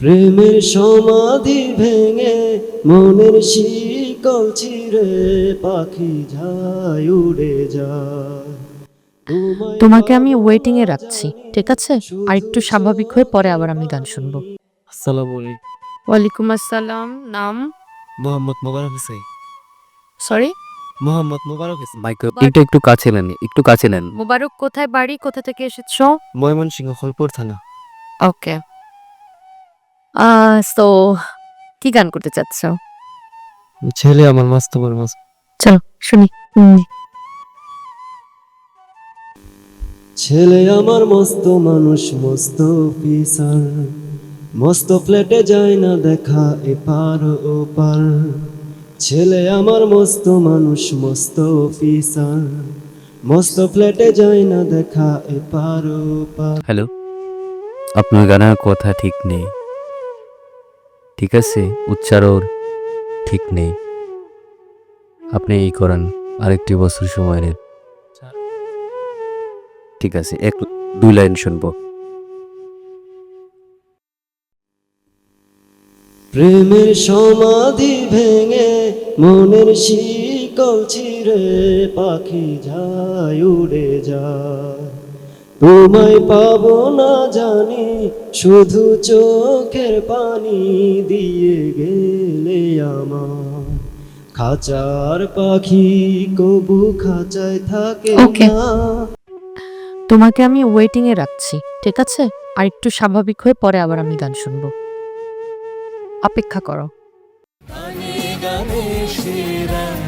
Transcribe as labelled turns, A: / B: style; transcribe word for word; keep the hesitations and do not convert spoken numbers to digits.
A: প্রেমের সমাধি ভেঙে মনের শিকল ছিঁড়ে পাখি যায় উড়ে যায়।
B: তোমাকে আমি ওয়েটিং এ রাখছি, ঠিক আছে? আর একটু স্বাভাবিক হয়ে পরে আবার আমি গান শুনবো।
C: আসসালামু আলাইকুম।
B: ওয়ালাইকুম আসসালাম। নাম?
C: মোহাম্মদ মোবারক হোসেন।
B: সরি,
C: মোহাম্মদ মোবারক হোসেন। মাইক্রো এটা একটু কাছে নেন, একটু কাছে নেন।
B: মোবারক কোথায় বাড়ি, কোথা থেকে এসেছো?
C: ময়মনসিংহ খলপুর থানা।
B: ওকে। আহ সো কি গান করতে চাচ্ছ?
C: ছেলে আমার মস্ত বড় মাস।
B: চলো শুনি। হুম,
A: ছেলে আমার মস্ত মানুষ মস্ত অফিসার, মস্ত ফ্ল্যাটে যায় না দেখা এপার ওপার। ছেলে আমার মস্ত মানুষ মস্ত অফিসার, মস্ত ফ্ল্যাটে যায় না দেখা এপার ওপার।
C: হ্যালো, আপনার গানের কথা ঠিক নেই, ঠিক আছে? উচ্চারণ ঠিক নেই। আপনি এই করেন, আরেকটি বছর সময় নেন। ঠিক আছে, এক দুই লাইন শুনবো।
A: প্রেমের সমাধি ভেঙে মনের শিকল ছিঁড়ে পাখি যায় উড়ে যায়। তোমায় পাবো না জানি, শুধু চোখের পানি দিয়ে গেলে আমার। খাঁচার পাখি কবু খাঁচায় থাকে
B: Okay.
A: না।
B: তোমাকে আমি ওয়েটিং এ রাখছি, ঠিক আছে? আর একটু স্বাভাবিক হয়ে পরে আবার আমি গান শুনবো। অপেক্ষা করো।
D: গানে গানে সেরা